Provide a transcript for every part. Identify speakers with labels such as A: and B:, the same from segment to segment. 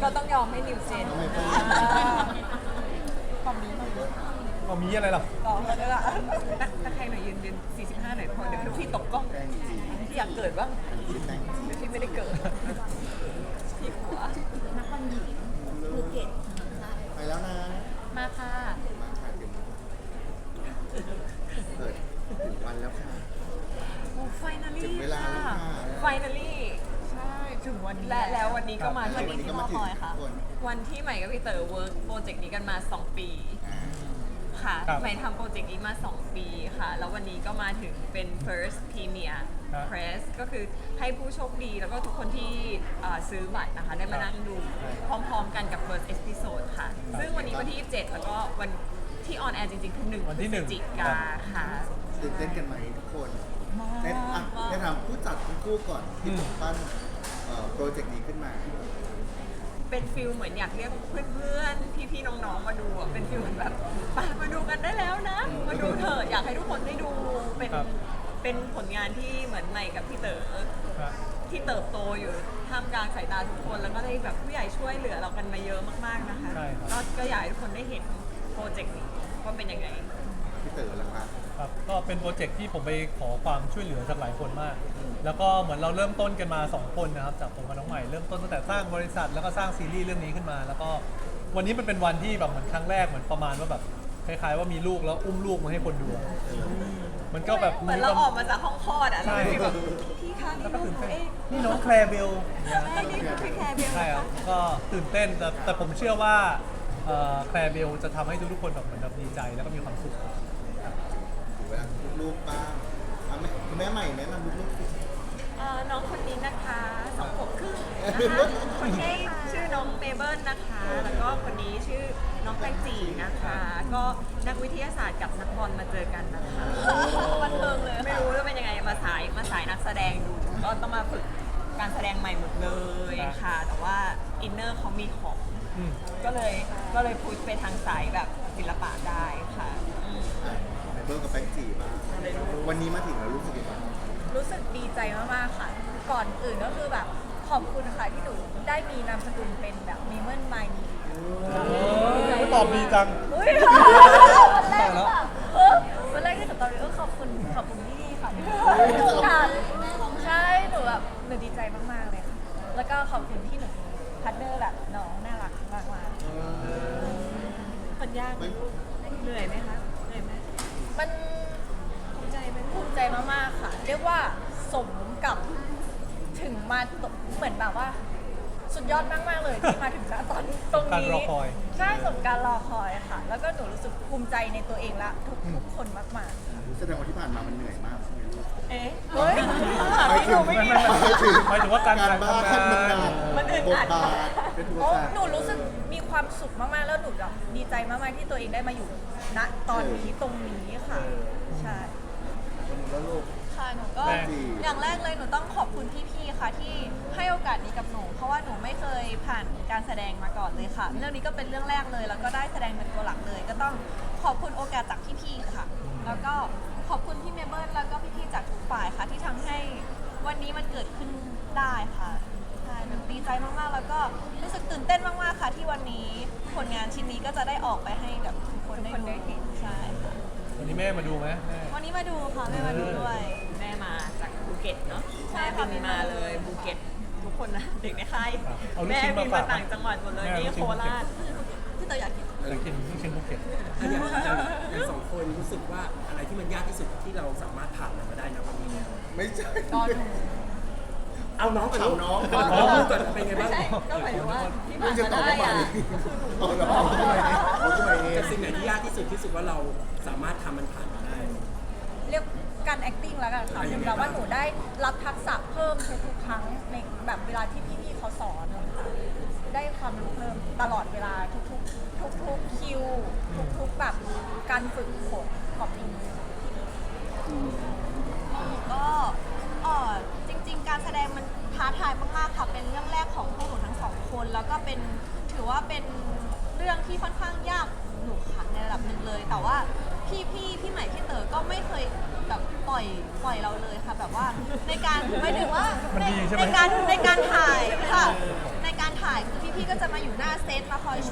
A: เราต้องยอมให้นิวเจนความนี้มัน
B: เอามีอะไรหรอ
A: ต่อเลยล่ะตะแคงหน่อยยืน45หน่อยพอเดี๋ยวพี่ตกกล้องพี่อยากเกิดบ้างพี่ไม่ได้เกิดพี่หัว
C: นักบอลหญิงภูเก็ต
D: ไปแล้วนะ
A: มาค่ะ
D: มาค่ะถึงเปิดถึงวันแล้วค่ะ
A: โอ้ไฟนาลี่
D: ถึงเวลาแล้วค่ะ
A: ไฟนาลี่ใช่ถึงวันนี้แล้ววันนี้ก็มา
D: วันนี้ก็มาถึงทุกคน
A: วันที่ใหม่กับพี่เต๋อเวิร์กโปรเจกต์นี้กันมา2 ปีค่ะใหม่ทำโปรเจกต์นี้มา2 ปีค่ะแล้ววันนี้ก็มาถึงเป็น first premier press ก็คือให้ผู้โชคดีแล้วก็ทุกคนที่ซื้อบัตรนะคะได้มานั่งดูพร้อมๆกันกับ first episode ค่ะซึ่งวันนี้วันที่27แล้วก็วันที่ออนแอร์จริงๆคือ1
B: วันที่
A: พฤศจิกาค่ะ
D: ตื่นเต้นกันไหมทุกคนได้ทำผู้จัดทั้งคู่ก่อนที่ผมปั้นโปรเจกต์นี้ขึ้นมา
A: เป็นฟิลเหมือนอยากเรียกเพื่อนๆ พี่ๆ น้องๆ มาดูอ่ะ เป็นฟิลเหมือนแบบไปมาดูกันได้แล้วนะ มาดูเถอะอยากให้ทุกคนได้ดู เป็นผลงานที่เหมือนใหม่กับพี่เต๋อที่เติบโตอยู่ท่ามกลางสายตาทุกคน แล้วก็ได้แบบผู้ใหญ่ช่วยเหลือเรากันมาเยอะมากๆ นะคะ ก็อยากให้ทุกคนได้เห็นโปรเจกต์นี้ว่าเป็นยังไง
D: พี่เต๋อละครับ
B: ครับก็เป็นโปรเจกต์ที่ผมไปขอความช่วยเหลือจากหลายคนมาก แล้วก็เหมือนเราเริ่มต้นกันมา2 คนนะครับจากผมกับน้องใหม่เริ่มต้นตั้งแต่สร้างบริษัทแล้วก็สร้างซีรีส์เรื่องนี้ขึ้นมา แล้วก็วันนี้มันเป็นวันที่แบบเหมือนครั้งแรกเหมือนประมาณว่าแบบคล้ายๆว่ามีลูกแล้วอุ้มลูกมาให้คนดูมันก็แบบ
A: เหมือนเราออกมาจากห้องคลอดอ่ะเราเป็นแบบพี่คะนี่ลูกหนูเอง
B: นี่น้องแคลร์เบล
A: ใช่นี่คือพี่แคร์เบล
B: ใช่ครับก็ตื่นเต้นแต่ผมเชื่อว่าแคลร์เบลจะทำให้ทุกๆคนแบบเหมือนแบบดีใจแล้วก็มีความสุข
D: ถึงเวลาลูกๆบ้างแม่ใหม่แนะนำลูกๆสิ
A: น้องคนนี้นะคะ2 ขวบครึ่งนะคะคนนี้ชื่อน้องเมเบิลนะคะ แล้วก็คนนี้ชื่อน้องแตงจีนะคะ ก็นักวิทยาศาสตร์กับนักบอลมาเจอกันนะคะบันเทิงเลยไม่รู้ว่าเป็นยังไงมาสายนักแสดงดูก็ต้องมาฝึกการแสดงใหม่หมดเลยค่ะ แต่ว่าอินเนอร์เขามีของก็เลยพุชไปทางสายแบบศิลปะได้ค่ะ
D: ไอเบิร์กับแป้งจีบ้างวันนี้มาถึงแล้วรู้สึกยังไง
C: รู้สึกดีใจมากๆค่ะ ก่อนอื่นก็คือแบบขอบคุณค่ะที่หนูได้มีนามสกุลเป็นแบบมีเมิลไมนี
B: ตอบดีจัง
C: อุ้ยวันแรกหรือเปล่าวันแรกที่หนูตอบขอบคุณพี่ค่ะที่ค่ะใช่หนูแบบหนูดีใจมากๆเลยค่ะแล้วก็ขอบคุณที่หนูพัดเดอร์แบบน้องน่ารักมากๆ
A: มันยากไหมเหนื่อยไหมคะเหนื่อยไหม
C: มันภูมิใจมากๆค่ะ เรียกว่าสมกับถึงมาเหมือนแบบว่า สุดยอดมากๆเลยที่มาถึงณตอนตรงนี้
B: การรอคอย
C: ใช่สมการรอคอยค่ะ แล้วก็หนูรู้สึกภูมิใจในตัวเองและทุกคนมากๆ
D: แสดงว่าที่ผ่านมามันเหนื่อยมากใช่ไหมลูก
A: เอ๊ะ
C: เฮ้ย
D: หมายถึง
B: หมายถึงว่าการ
D: บ้าน
B: ทำงาน
A: มันอึด
D: บท
A: อัด
D: บาทเป็นตัว
C: โอ้
D: การ
C: หนูรู้สึกมีความสุขมากๆ แล้วหนูแบบดีใจมากๆที่ตัวเองได้มาอยู่ณตอนนี้ตรงนี้ค่ะ ใช่
D: แล้วลูก
E: ค่ะหนูก็
B: แม่
E: อย่างแรกเลยหนูต้องขอบคุณพี่ๆ ค่ะที่ให้โอกาสนี้กับหนู เพราะว่าหนูไม่เคยผ่านการแสดงมาก่อนเลยค่ะ เรื่องนี้ก็เป็นเรื่องแรกเลย แล้วก็ได้แสดงเป็นตัวหลักเลย ก็ต้องขอบคุณโอกาสจากพี่ๆ ค่ะ แล้วก็ขอบคุณพี่เมเบิลแล้วก็พี่ๆ จากทุกฝ่ายค่ะที่ทำให้วันนี้มันเกิดขึ้นได้ค่ะใช่หนูดีใจมากๆ แล้วก็รู้สึกตื่นเต้นมากๆ ค่ะ ที่วันนี้ผลงานชิ้นนี้ก็จะได้ออกไปให้กับทุกคนได้ดูใช่ค่ะ
B: วันนี้แม่มาดูไหมแม่
E: วันนี้มาดูค่ะแม่มาดูด้วย
A: แม่มาจากภูเก็ตเนาะ
E: ใช่
A: แม่
E: ค่ะ
A: บินมาเลยภูเก็ตทุกคนนะเด็กในค่าย
B: เอาลูก
A: แม่
B: ชิ้น
A: บิ
B: มาน ฝา
A: มาต่างจังหวัดหมดเลย
B: แม่
A: นี่
B: ลูก
A: โค
B: ชิ้น
A: ราช
E: พี่เต๋ออยากกิน
B: อยากกินลูกชิ้นภูเก็ต
F: อย่างสองคนรู้สึกว่าอะไรที่มันยากที่สุดที่เราสามารถผ่านมันมาได้นะวันนี้เนี่ย
D: ไม่ใช่
A: ตอนหนู
F: เอาน้องก่อนลูก
D: เอาน้อง
F: เอาน้องก่อนเป็นไงบ้าง
A: ใช่ก็หมายถึงว่าที่
D: ไม่
A: ผ่าน
D: จะตอบ
A: มาได้
D: ว่า
A: อะ
D: เอาเหรอเอาทำไมเอง
F: แต่สิ่งไหนที่ยากที่สุดที่สุดว่าเราสามารถทำมันผ่านมาได้
C: เรียกการ acting แล้วกันค่ะ
F: อ่ะยังไง
C: แต่ว่า
F: บ้าง
C: หนูได้รับทักษะเพิ่มทุกๆครั้งในแบบเวลาที่พี่ๆเขาสอนค่ะได้ความรู้เพิ่มตลอดเวลาทุกคิวทุกแบบการฝึกฝนขอบคุณ
E: ก็จริงๆ การแสดงมันท้าทายมากๆ ค่ะ เป็นเรื่องแรกของพวกหนูทั้งสองคน แล้วก็เป็นถือว่าเป็นเรื่องที่ค่อนข้างยากหนูค่ะในระดับหนึ่งเลย แต่ว่าพี่ใหม่พี่เต๋อก็ไม่เคยแบบปล่อยเราเลยค่ะ แบบว่าในการไม่ถึงว่า
B: มันดีใช่ไหม
E: ในการถ่ายค่ะ ในการถ่ายคือพี่ๆ ก็จะมาอยู่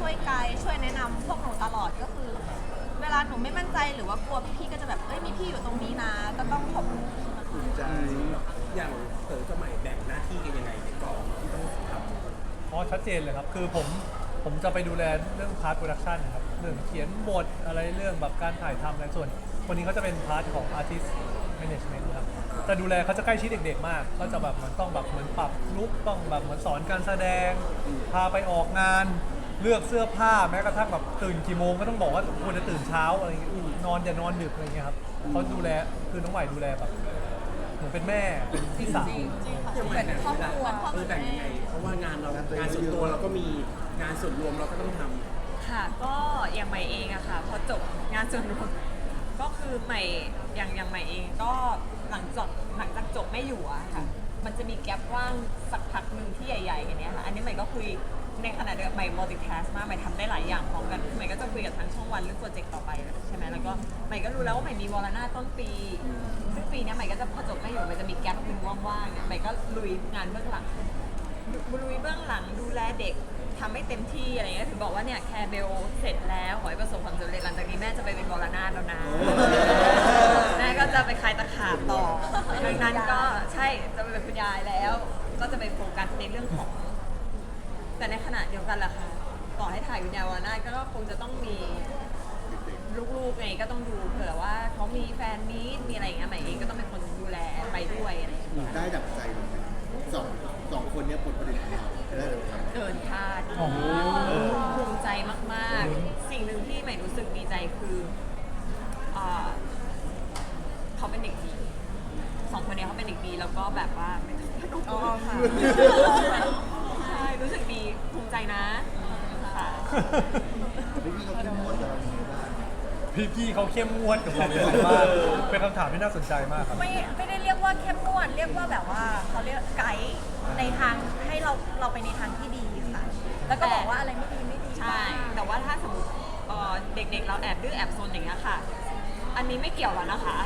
E: วยไกด์ช่วยแนะนำพวกหนูตลอดก็คือ เวลาหนูไม่มั่นใจหรือว่ากลัวพี่ๆก็จะแบบเอ้ยมีพี่อยู่ตรงนี้นะ ก็ต้องขอบคุณพี่มาก
D: ภูมิใจ
F: อย่างเต๋อกับใหม่แบ่งหน้าที่กันยังไงในกองที่ต้องทำ
B: เพราะชัดเจนเลยครับ คือผมจะไปดูแลเรื่องพาร์ทโปรดักชันครับ เรื่องเขียนบทอะไรเรื่องแบบการถ่ายทำอะไรส่วนคนนี้เขาจะเป็นพาร์ทของ Artist Management ครับจะดูแลเขาจะใกล้ชิดเด็กๆมาก ก็จะแบบเหมือนต้องแบบเหมือนปรับลุคต้องแบบเหมือนสอนการแสดง พาไปออกงาน เลือกเสื้อผ้าแม้กระทั่งแบบตื่นกี่โมงก็ต้องบอกว่าควรจะตื่นเช้าอะไรอย่างเงี้ยนอนอย่านอนดึกอะไรเงี้ยครับเขาดูแลคือน้องใหม่ดูแลแบบเหมือนเป็นแม่เป็นพี่สาว
F: ยังไงนะเวลาแบ่งยังไง เพราะว่างานเรางานส่วนตัวเราก็มีงานส่วนรวมเราก็ต้องทำ
A: ค่ะก็อย่างใหม่เองอะค่ะพอจบงานส่วนรวมก็คือใหม่อย่างใหม่เองก็หลังจากจบไม่อยู่อะค่ะมันจะมีแกลบว่างสักพักหนึ่งที่ใหญ่ๆอย่างเนี้ยค่ะอันนี้ใหม่ก็คุยในขณะเดียวกันใหม่ multitask มากใหม่ทำได้หลายอย่างพร้อมกันใหม่ก็จะคุยกับทางช่องวันเรื่องโปรเจกต์ต่อไปใช่ไหมแล้วก็ใหม่ก็รู้แล้วว่าใหม่มีวอลนาต้นปีซึ่งปีเนี้ยใหม่ก็จะพอจบไม่อยู่ใหม่จะมีแกลบหนึ่งว่างๆใหม่ก็ลุยงานเบื้องหลัง ลุยเบื้องหลังดูแลเด็กทำให้เต็มที่อะไรเงี้ยถึงบอกว่าเนี่ยแคร์เบลเสร็จแล้วขอให้ประสบความสำเร็จหลังจากนี้แม่จะไปเป็นวรนาถแล้วนะแม่ก็จะไปคลายตะขาบต่อดังนั้นก็ใช่จะไปเป็นคุณยายแล้ว ก็จะไปโฟกัสในเรื่องของ แต่ในขณะเดียวกันล่ะค่ะต่อให้ถ่ายวิญญาณวรนาถก็คงจะต้องมีลูกๆไงก็ต้องดูเผื่อว่าเขามีแฟนมีตมีอะไรอย่างเงี้ยใหม่เองก็ต้องเป็นคนดูแลไปด้วยอะไรอย่างเงี้ย
D: ได้ดับใจเลยสองคนเนี้ยผลผลิตของเราได้ดับใจ
A: เกินคาด
B: โอ้โห
A: ภูมิใจมากๆ สิ่งหนึ่งที่ใหม่รู้สึกดีใจคือเขาเป็นเด็กดีสองคนเนี้ยเขาเป็นเด็กดีแล้วก็แบบว่าไม่ต้องพูดค่ะใช่รู้สึกดีภูมิใจนะค่ะ
D: พี่เขาเข้มงวดกับเราอย่างไรบ้าง
B: พี่ๆเขาเข้มงวดกับเราเยอะมากเป็นคำถามที่น่าสนใจมากครับ
C: ไม่ได้เรียกว่าเข้มงวดเรียกว่าแบบว่าเขาเรียกไกด์ในทางให้เราไปในทางที่ดีค่ะ แล้วก็บอกว่าอะไรไม่ดีไม่ดี
A: ใช่แต่ว่าถ้าสมมติเด็กๆเราแอบดื้อแอบซนอย่างเงี้ยค่ะ อันนี้ไม่เกี่ยวแล้วนะคะ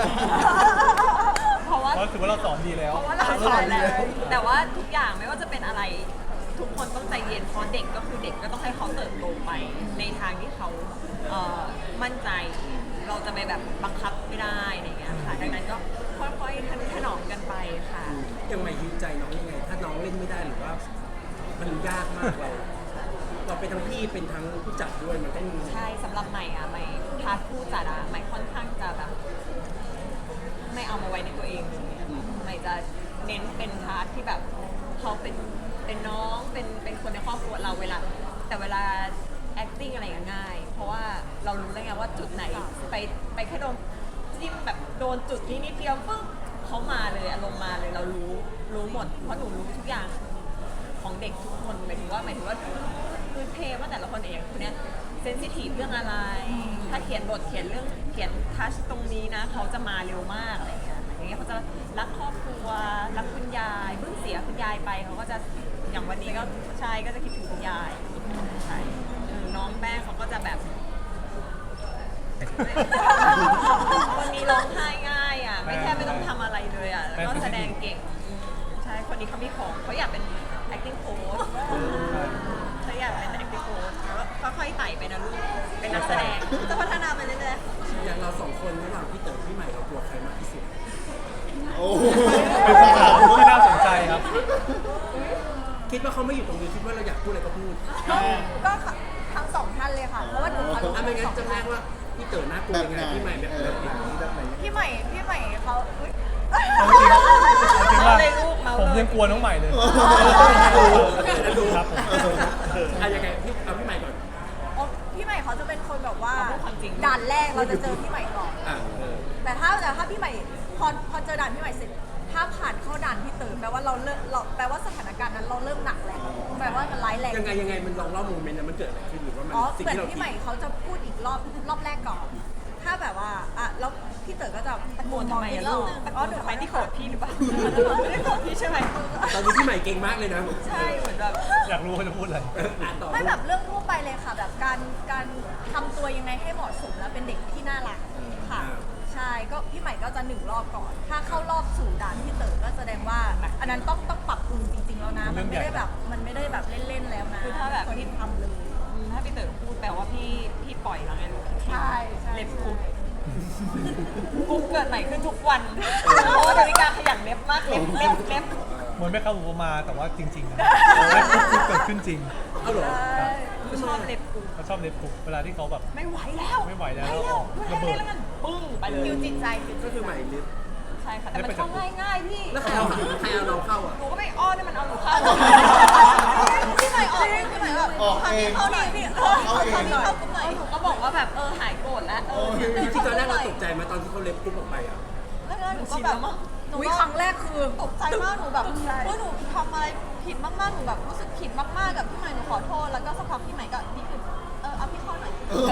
A: เพราะว่า
B: เพราะถือว่าเราสอนดีแล้ว
A: เพราะว่าเราสอนแล้วแต่ว่าทุกอย่างไม่ว่าจะเป็นอะไร ทุกคนต้องใจเย็นเพราะเด็กก็คือเด็กก็ต้องให้เขาเติบโตไป ในทางที่เขามั่นใจ เราจะไปแบบบังคับไม่ได้อะไรอย่างเงี้ยค่ะดังนั้นก็ค่อยๆถนอมกันไปค่ะ
F: ยังไงฮิวใจน้องยังไง ถ้าน้องเล่นไม่ได้หรือว่า มันยากมากเราเป็นทั้งพี่เป็นทั้งผู้จัดด้วยมันต้อง
A: ใช่สำหรับใหม่อะใหม่พาร์ทผู้จัดอะใหม่ค่อนข้างจะแบบไม่เอามาไว้ในตัวเองเลยใหม่จะเน้นเป็นพาร์ทที่แบบเขาเป็นน้องเป็นคนในครอบครัวเราเวลา แต่เวลา acting อะไรอย่างง่าย เพราะว่าเรารู้แล้วไงว่าจุดไหนไปแค่โดนจิ้มแบบโดนจุดนี้นิดเดียวปุ๊บเขามาเลยอารมณ์มาเลยเรารู้หมดเพราะหนูรู้ทุกอย่างของเด็กทุกคนหมายถึงว่าพื้นเพว่าแต่ละคนเองคนเนี้ยเซนซิทีฟเรื่องอะไร ถ้าเขียนบทเขียนทัชตรงนี้นะเขาจะมาเร็วมากอะไรอย่างเงี้ยเขาจะรักครอบครัวรักคุณยายเพิ่งเสียคุณยายไปเขาก็จะอย่างวันนี้ก็ใช่ก็จะคิดถึงคุณยายใช่น้องแป้งเขาก็จะแบบ คนนี้ร้องไห้ง่ายอ่ะไม่ต้องทำอะไรเลยอ่ะแล้วก็แสดงเก่งใช่คนนี้เขามีของเขาอยากเป็น acting coach เขาอยากเป็น acting coach แล้วก็ค่อยๆไต่ไปนะลูกเป็นนักแสดงจะพัฒนาไปเรื่อย
F: อย่างเราสองคนระหว่างพี่เต๋อพี่ใหม่เรากลัวใครมากที่สุด
D: โอ้โห
B: เป็นคำถามที่น่าสนใจครับ
F: คิดว่าเขาไม่อยู่ตรงนี้คิดว่าเราอยากพูดอะไรก็พูด
C: ก็ทั้งสองท่านเลยค่ะ เพราะว่าหนูเขารู้
F: ถ้าไม่งั้
C: สอน ง
F: จำแน
C: ท่าน
F: กว่าพี่เต๋อน่ากลัว
D: แบบ
F: ยัง
D: ไห
F: ไง
D: น
F: พี่ใหม่แบบไหน
D: แบบไหน
C: พี่ใหม่เขาอุ๊ย
B: เอาจริงว่าผมยังกลัวน้องใหม่เลย
F: แล้วดู
B: ครับผม
F: ยังไงพี่เอาพี่ใหม่ก่อน
C: พี่ใหม่เขาจะเป็นคนแบบว่า
A: พูดความจริง
C: ด่านแรกเราจะเจอพี่ใหม่ก่อน
F: อ่ะ
C: แต่ถ้าพี่ใหม่พอเจอด่านพี่ใหม่เสร็จถ้าผ่านเข้าด่านพี่เต๋อแปลว่าแปลว่าสถานการณ์นั้นเราเริ่มหนักแล้วแปลว่ามันร้ายแรง
F: ยังไงมันลองเล่าโมเมนต์นั้นมันเกิดอะไรขึ้นหรือว่ามัน
C: อ๋อ
F: สิ่ง
C: เหมือน
F: ที่เรา
C: พี่
F: คิด
C: ใหม่เขาจะพูดอีกรอบแรกก่อน ถ้าแบบว่าแล้วพี่เต๋อก็จะ
A: ๆตะโกนทำไมอะลูกตะโกนทำไมที่โกรธพี่หรือเปล่าไม่ได้โกรธพี่ใช่ไหม
F: ตอนนี้พี่ใหม่เก่งมากเลยนะ
A: ใช่เหมือนแบบ
B: อยากรู้เขาจะพูดอะไร
F: ต่อ
C: ไม่แบบเรื่องทั่วไปเลยค่ะ แบบการทำตัวยังไงให้เหมาะสมแล้วเป็นเด็กที่น่ารักค่ะ ใช่ก็พี่ใหม่ก็จะ1 รอบก่อน ถ้าเข้ารอบสู่ด่านพี่เต๋อก็แสดงว่า อันนั้นต้องปรับปรุงจริงๆแล้วนะ มันไม่ได้แบบเล่นๆแล้วนะ
A: คือถ้าแบบ
C: คนที่ทำเลย
A: ถ้าถ้าพี่เต๋อพูดแปลว่าพี่ปล่อยแล้วไงลูก
C: ใช่ใช่
A: เล็บกุ๊กกุ๊กเกิดใหม่ขึ้นทุกวันเพราะว่าดาวิกาขยันเล็บมากเล็บ
B: เหมือนไม่เข้าอุปมาแต่ว่าจริงๆนะเล็บกุ๊กเกิดขึ้นจริง
F: เอาเหรอ
A: ชอบเล็บกุ๊ก
B: เขาชอบเล็บกุ๊กเวลาที่เขาแบบ
A: ไม่ไหวแล้ว
B: ไม่ไหวแล้ว
A: ไม่แล้ว
B: ระเบิด
A: แล้วกันปึ้งไปเลย
C: คิวจิตใจคิว
F: ก็
C: จิต
F: คือ
C: ใจ
F: ใหม่ลิฟ
A: ใช่ค่ะแต่มันเข้าง่ายๆพี่
F: แล้วใครเอาเราเข้าอ่ะ
A: หนูก็ไม่อ้อนให้มันเอาหนูเข้า
E: พี่ใหม่ออกพี่ใหม่แบบ
D: ออกเอง
E: เข้าหน่อยพี่
D: เอาเอง
E: เข้ากลุ่มหน่อย
A: หนูก็บอกว่าแบบหายโกรธแล้ว
F: จริงๆตอนแรกเราตกใจไหมาตอนที่เขาเล็บปุ๊บออกไปอ่ะ
E: แล้วหนูก็แบบหนู
C: อุ๊ย
E: ก็
C: ครั้งแรกคือ
E: ตกใจมากหนูแบบ
C: ตกใจ
E: ว่าหนูทำอะไรผิดมากๆหนูแบบรู้สึกผิดมากๆกับพี่ใหม่หนูขอโทษแล้วก็สักพักพี่ใหม่ก็ดีขึ้นเอาพี่เข้าหน่อย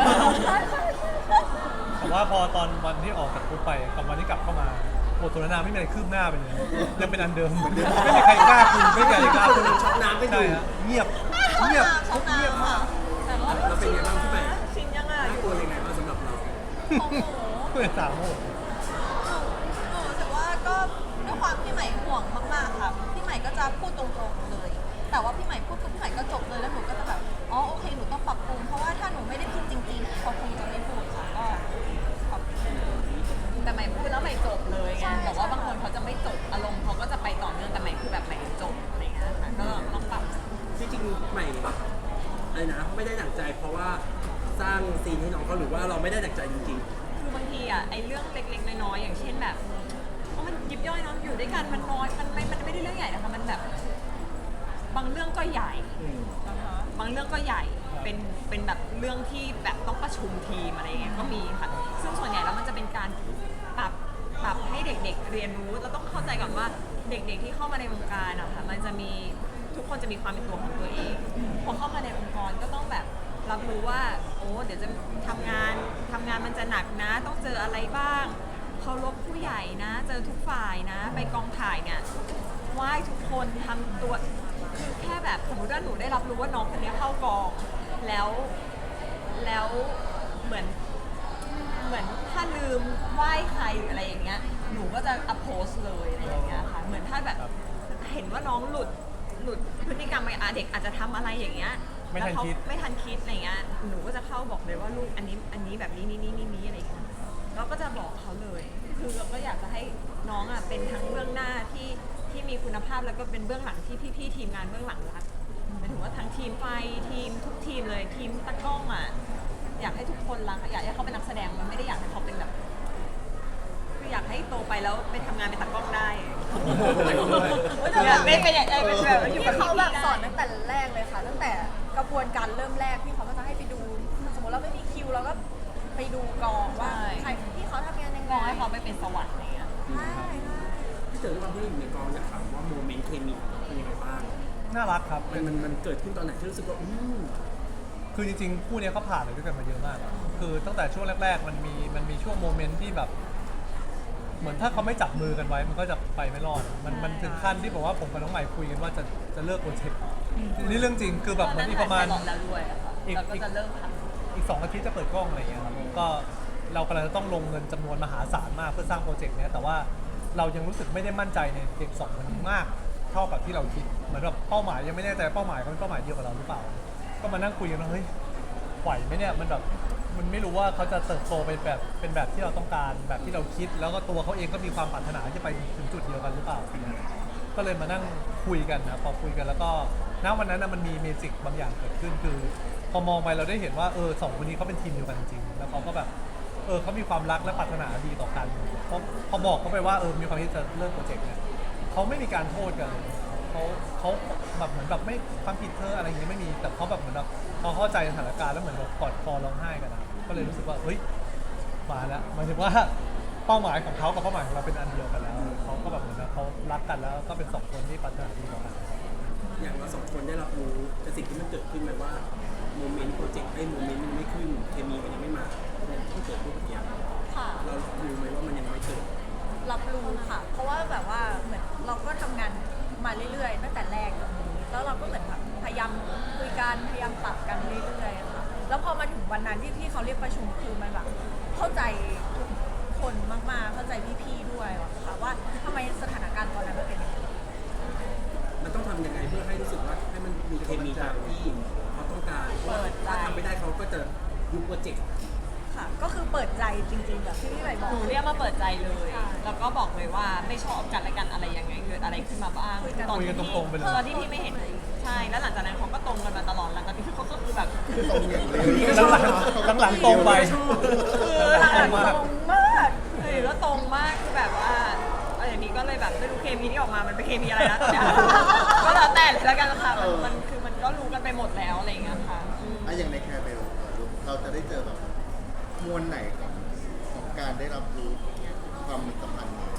B: แต่ว่าพอตอนวันที่ออกจากคุกไปกับวันที่กลับเข้ามาบทสนทนาไม่มีอะไรคืบหน้าไปเลยยังเป็นอันเดิมเหมือนเดิมไม่มีใครกล้าคุยไม่มีใครกล้าคุย
F: ช็อกน้ำไปอยู่
B: ใช่ฮะเงียบเงียบคุกเงียบมาก
F: เราเป็นไงบ้างพี่ใหม่
A: ชินยังอ่ะ
F: น่ากลัวยังไงบ้างสำหรับเรา
E: ของหนู
B: เพื่อนสามโมง
E: หนูรู้สึกว่าก็ด้วยความพี่ใหม่ห่วงมากๆค่ะพี่ใหม่ก็จะพูดตรงๆเลย แต่ว่าพี่ใหม่พูดปุ๊บพี่ใหม่ก็จบเลยแล้วหนูก็จะแบบอ๋อโอเคหนูต้องปรับปรุงเพราะว่าถ้าหนูไม่ได้พูดจริงๆเขาคงจะไม่พูดค่ะก็ขอบคุณ
A: แต่ใหม่พูดแล้วใหม่จบเลยไง
E: ใช่
A: แต่ว่าบางคนเขาจะไม่จบอารมณ์เขาก็จะไปต่อเนื่องแต่ใหม่คือแบบใหม่จบอะไรเงี้ยค่ะก็ต้องปรับ
F: จริงๆใหม่อะไรนะไม่ได้ดั่งใจเพราะว่าสร้างซีนให้น้องเขาหรือว่าเราไม่ได้ดั่งใจจริง
A: คือบางทีอ่ะไอ้เรื่องเล็กๆน้อยๆอย่างเช่นแบบมันยิบย่อยเนาะอยู่ด้วยกันมันน้อยมันไม่ได้เรื่องใหญ่นะคะมันแบบบางเรื่องก็ใหญ่ บางเรื่องก็ใหญ่เป็นแบบเรื่องที่แบบต้องประชุมทีมอะไรเงี้ยก็มีค่ะซึ่งส่วนใหญ่แล้วมันจะเป็นการปรับให้เด็กๆเรียนรู้เราต้องเข้าใจก่อนว่าเด็กๆที่เข้ามาในวงการอะค่ะมันจะมีทุกคนจะมีความเป็นตัวของตัวเองพอเข้ามาในองค์กรก็ต้องแบบรับรู้ว่าโอ้เดี๋ยวจะทำงานมันจะหนักนะ ต้องเจออะไรบ้างเคารพผู้ใหญ่นะ เจอทุกฝ่ายนะ ไปกองถ่ายเนี่ยไหว้ทุกคนทำตัวคือแค่แบบสมมติว่าหนูได้รับรู้ว่าน้องคนนี้เข้ากองแล้วเหมือนถ้าลืมไหว้ใครหรืออะไรอย่างเงี้ยหนูก็จะอัพโพสเลยอะไรอย่างเงี้ยค่ะเหมือนถ้าแบบเห็นว่าน้องหลุดพฤติกรรมไปเด็กอาจจะทำอะไรอย่างเงี้ย
B: ไม่ทันคิด
A: ไม่ทันคิดอะไรเงี้ยหนูก็จะเข้าบอกเลยว่าลูกอันนี้แบบนี้นี่อะไรอย่างเงี้ยเราก็จะบอกเขาเลย คือเราก็อยากจะให้น้องอ่ะเป็นทั้งเบื้องหน้าที่มีคุณภาพแล้วก็เป็นเบื้องหลังที่พี่ๆทีมงานเบื้องหลังรักหมายถึงว่าทั้งทีมไฟทีมทุกทีมเลยทีมตากล้องอ่ะอยากให้ทุกคนรักอยากให้เขาเป็นนักแสดงมันไม่ได้อยากให้เขาเป็นแบบคืออยากให้โตไปแล้วไปทำงานเป็นตากล้องได้อยากไม่เป็นอยากเป็นแบบอยู่
C: ที่
A: กับ
C: เขาแบบ
A: พี่ๆได้
C: สอนตั้งแต่แรกเลยค่ะ ตั้งแต่กระบวนการเริ่มแรกที่เขาก็จะให้ไปดู สมมติเราไม่มีคิวเราก็ไปดูกองว่าใครที่เขาทำงานยัง
A: ม
C: ไง
A: องให้เขาไปเป็นสวรรค์อะไรเงี้ย
C: ใช่ใช่
F: ๆที่เจอความที่อยู่ในกองอยากถามว่าโมเมนต์เคมีเป็นยังไงบ้าง
B: น่ารักครับ
F: มันเกิดขึ้นตอนไหนที่รู้สึกว่า
B: คือจริงๆคู่เนี้ยเขาผ่านอะไรด้วยกันมาเยอะมาก คือตั้งแต่ช่วงแรกๆมันมีช่วงโมเมนต์ที่แบบ เหมือนถ้าเขาไม่จับมือกันไว้มันก็จะไปไม่รอด มันถึงขั้นที่บอกว่าผมกับน้องใหม่คุยกันว่าจะเลิกโปรเจกต์นี่เรื่องจริงคือแบบเหมือนอีกประมาณ
A: ตอนนั้นถ่ายไพลอตแล้วด้วยอะค่ะ
B: อีก
A: แล้วก็จะเริ่มทำ
B: อีก2 อาทิตย์จะเปิดกล้องอะไรอย่างเงี้ยครับก็เรากำลังจะต้องลงเงินจำนวนมหาศาลมากเพื่อสร้างโปรเจกต์เนี้ยแต่ว่าเรายังรู้สึกไม่ได้มั่นใจในเด็ก2 คนนี้มากเท่ากับที่เราคิดเหมือนแบบเป้าหมายยังไม่แน่ใจเป้าหมายเขาเป็นเป้าหมายเดียวกับเราหรือเปล่า ก็มานั่งคุยกันว่าเฮ้ยไหวไหมเนี่ยมันแบบมันไม่รู้ว่าเขาจะเติบโตเป็นแบบที่เราต้องการแบบที่เราคิด แล้วก็ตัวเขาเองก็มีความปรารถนาที่จะไปถึงจุดเดียวกันหรือเปล่าก็เลยมานั่งคุยกันนะพอคุยกันแล้วก็ณวันนั้นมันมีเมจิกบางอย่างเกิดขึ้นคือพอมองไปเราได้เห็นว่าสองคนนี้เขาเป็นทีมเดียวกันจริงๆแล้วเขาก็แบบเขามีความรักและปรารถนาดีต่อกันพอบอกเขาไปว่ามีความที่จะเลิกโปรเจกต์เนี่ยเขาไม่มีการโทษกันเขาแบบเหมือนแบบไม่ความผิดเธออะไรอย่างเงี้ยไม่มีแต่เขาแบบเหมือนแบบเขาเข้าใจสถานการณ์แล้วเหมือนแบบกอดคอร้องไห้กันนะก็เลยรู้สึกว่าเฮ้ยมาแล้วหมายถึงว่าเป้าหมายของเขากับเป้าหมายของเราเป็นอันเดียวกันแล้วเขาก็แบบเหมือนเขารักกันแล้วก็เป็น2 คนที่ปรารถนาดีต่อกัน
F: อย่างเรา2 คนได้รับรู้แต่สิ่งที่มันเกิดขึ้นไหมว่าโมเมนต์โปรเจกต์โมเมนต์มันไม่ขึ้นเคมีมันยังไม่มาเนี่ยที่เกิดขึ้นเมื่อกี้
C: ค่ะ
F: เรารู้ไหมว่ามันยังไม่เกิด
C: รับรู้ค่ะ เพราะว่าแบบว่าเหมือนเราก็ทำงานมาเรื่อยๆตั้งแต่แรกตรงนี้แล้วเราก็เหมือนแบบพยายามคุยกันพยายามปรับกันเรื่อยๆค่ะแล้วพอมาถึงวันนั้นที่พี่เขาเรียกประชุมคือมันแบบเข้าใจทุกคนมากๆเข้าใจพี่ๆด้วยค่ะว่าทำไมสถานการณ์ตอนนั้นมันเป็นอย่างนี้
F: มันต้องทำยังไงเพื่อให้รู้สึกว่าให้มันมีเคมีตามที่เขาต้องการ
A: เปิดใจ
F: ถ้าทำไปแต่ดูโปรเจกต์
C: ค่ะ ก็คือเปิดใจจริงๆแบบที่พี่ใหม่บอก
A: หนูเรียกมาเปิดใจเลย แล้วก็บอกเลยว่าไม่ชอบกันและกันอะไรยังไงเกิดอะไรขึ้นมาบ้าง
B: คุยกันตรงๆไปเลย
A: ตอนที่พี่ไม่เห็นใช่แล้วหลังจากนั้นเขาก็ตรงกันมาตลอดหลังจากนี้เขาก็คือแบบ
D: ตรงอย่างเลย
B: หลังตรงไป
A: คือหลัง
B: ตรงมาก
A: ตรงมากคือก็ตรงมากคือแบบว่าอย่างนี้ก็เลยแบบไม่รู้เคมีที่ออกมามันเป็นเคมีอะไรนะแต่ก็แล้วแต่เลยแล้วกันค่ะมันคือมันก็รู้กันไปหมดแล้วอะไรอย่างเงี้ยค่ะ
D: อะอย่างในแคร์เบลเราจะได้เจอแบบมวลไหนของการได้รับรู้ความมีสัมพันธ์นี้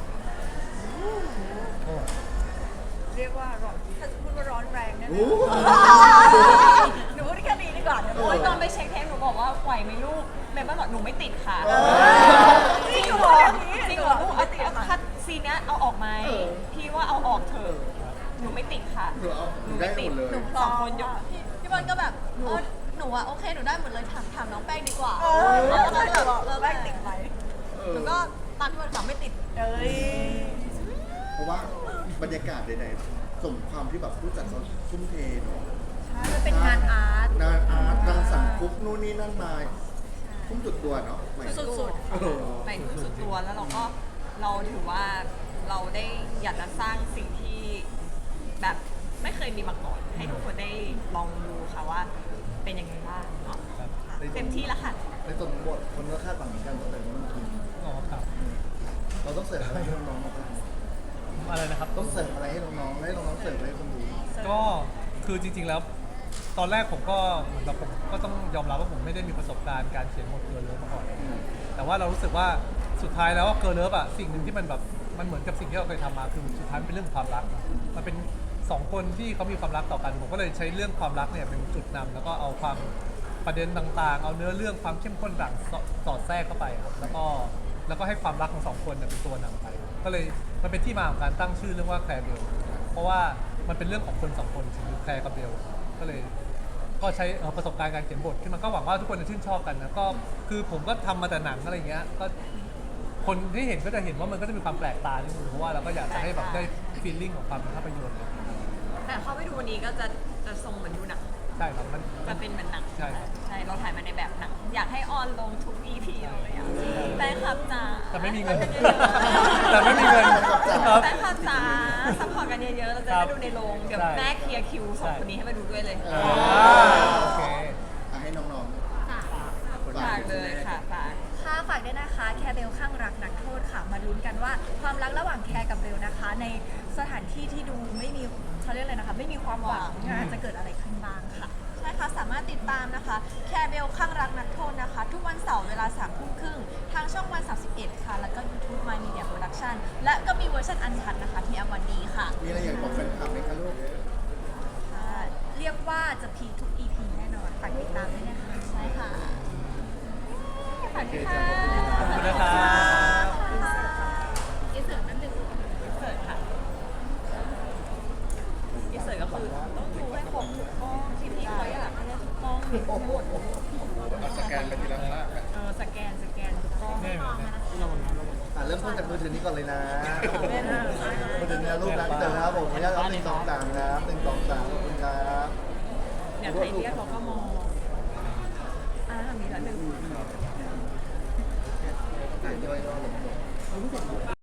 C: เรียกว่าร้อนถ้าจะพูดว่าร้อนแรงแน่
D: โอ้
C: ๆหนูพูดแค่นี้ดีกว่าเดี๋ยว
A: โอ้ยตอนไปเช็คเทปหนูบอกว่าไหวไหมลูกแม่บ้านบอกหนูไม่ติดค่ะ
C: จริงเหรอ
A: จริงเหรอลูกเอาคัดซีนเนี้ยเอาออกไหมพี่ว่าเอาออกเถอะหนูไม่ติดค่ะ
D: หนูเอาหนูได้หมดเลย
A: สองคนยก
E: พี่บอลก็แบบหนูอะโอเคหนูได้หมดเลยถามน้องแป้งดีกว่า
C: แล้วก็แบบแป้งติดไหม
E: หนูก็ตามพี่บอลถามไม่ติด
C: เอ้ย
D: เพราะว่าบรรยากาศใดๆสมความที่แบบผู้จัดเขาทุ่มเทเนาะ
C: ใช่มันเป็นงานอาร์ต
D: งานอาร์ตรังสรรค์คุกนู่นนี่นั่นมาทุ่มสุดตัวเนาะใหม่
A: สุด
D: เออ
A: ๆไปสุดตัวแล้วเราถือว่าเราได้อยากจะสร้างสิ่งที่แบบไม่เคยมีมาก่อน ให้ทุกคนได้ลองดูค่ะว่าเป็นยังไงบ้างเนาะเต็มที่แล้วค่ะ
D: ในส่วนของบทคนก็คาดหวังเหมือนกันว่าแต่มันคือ
B: อ๋อครับ
D: เราต้องเสิร์ฟอะไรให้น้องๆบ้าง
B: อะไรนะครับ
D: ต้องเสิร์ฟอะไรให้น้องๆให้น้องๆเสิร์ฟให้คนดู
B: ก็คือจริงๆแล้ว ตอนแรกผมก็เหมือนแบบผมก็ต้องยอมรับว่าผมไม่ได้มีประสบการณ์การเขียนบทเกิร์ลเลิฟมาก่อน แต่ว่าเรารู้สึกว่าสุดท้ายแล้วเกิร์ลเลิฟอะสิ่งหนึ่งที่มันแบบมันเหมือนกับสิ่งที่เราเคยทำมาคือสุดท้ายมันเป็นเรื่องของความรัก มันเป็นสองคนที่เขามีความรักต่อกันผมก็เลยใช้เรื่องความรักเนี่ยเป็นจุดนำแล้วก็เอาความประเด็นต่างๆ เอาเนื้อเรื่องความเข้มข้นต่างสอดแทรกเข้าไปครับแล้วก็ให้ความรักของสองคนเนี่ยเป็นตัวนำไป ก็เลยมันเป็นที่มาของการตั้งชื่อเรื่องว่าแคร์เบลเพราะว่ามันเป็นเรื่องของคนสองคนคือแคร์กับเบลก็เลยก็ใช้ประสบการณ์การเขียนบทขึ้นมาก็หวังว่าทุกคนจะชื่นชอบกันนะก็คือผมก็ทำมาแต่หนังอะไรเงี้ยก็คนที่เห็นก็จะเห็นว่ามันก็จะมีความแปลกตานิดนึงเพราะว่าเราก็อยากจะให้แบบได้ฟีลลิ่งของความเป็นภาพยนตร์
A: แต่เข้าไปดูวันนี้ก็จะทรงเหมือนดูหนัง
B: ใช่ครับมัน
A: จะเป็นเหมือนหนัง
B: ใช่ครับ
A: ใช่เราถ่ายมาในแบบหนังอยากให้ออนลงทุก EP เลยอ่ะแฟนคลับจ๋า
B: แต่ไม่มีเงิน
A: ช่วยกันเยอะๆ
B: แต่ไม่มีเงินครับ
A: แฟนคลับจ๋าซัพพอร์ตกันเยอะๆเราจะ
B: ครั
A: ได้
B: บ
A: ดูในโรงเดี๋ยว
B: ใช่
A: แม่เคลียร์คิวสอง
B: ใช่
A: คนนี้ให้มาดูด้วยเลย
B: โอเค
D: ให้น้องๆ
A: ฝากเลยค่ะฝาก
C: ค่ะฝากด้วยนะคะแคร์เบลข้างรักนักโทษค่ะมาลุ้นกันว่าความรักระหว่างแคร์กับเบลนะคะ ในสถานที่ที่ดูไม่มีเขาเรียกอะไรนะคะไม่มีความหวังจะเกิดอะไรขึ้นบ้างค่ะ
E: ใช่ค่ะสามารถติดตามนะคะแคร์เบลข้างรักนักโทษนะคะ ทุกวันเสาร์เวลา3 ทุ่มครึ่งทางช่องวัน 31 ค่ะ แล้วก็ YouTube My Media Production และก็มีเวอร์ชันอันคัดนะคะที่อวันดีค่ะ
D: มีอะไรอยากบอกแฟนคลับไหมคะลูก
C: ค่ะเรียกว่าจะพีคทุก EP แน่นอนฝากติดตามด้วยนะคะ
E: ใช่ค่ะ
A: ฝากด้วยค่ะ
B: ขอบคุณนะครับ
A: อินเสิร์ตค่ะอินเสิร์ตก็คือต้องดูให้ครบทุกกล้องที่พี่เขาอยากให้ได้ทุกกล้องทั้งหมด
D: เอาสแกนไปทีละภาพกัน
A: สแกนทุกกล้อง
B: นี่เหมือนกัน
D: เริ่มต้นจากมือถือนี้ก่อนเลยนะมือถือนี้รูปนะเจอนะครับผมขออนุญาตเอา1 2 3ครับ1 2 3ขอบคุณครับ
A: อยากใครเรียกเขาก็มองมีแล้วหนึ่ง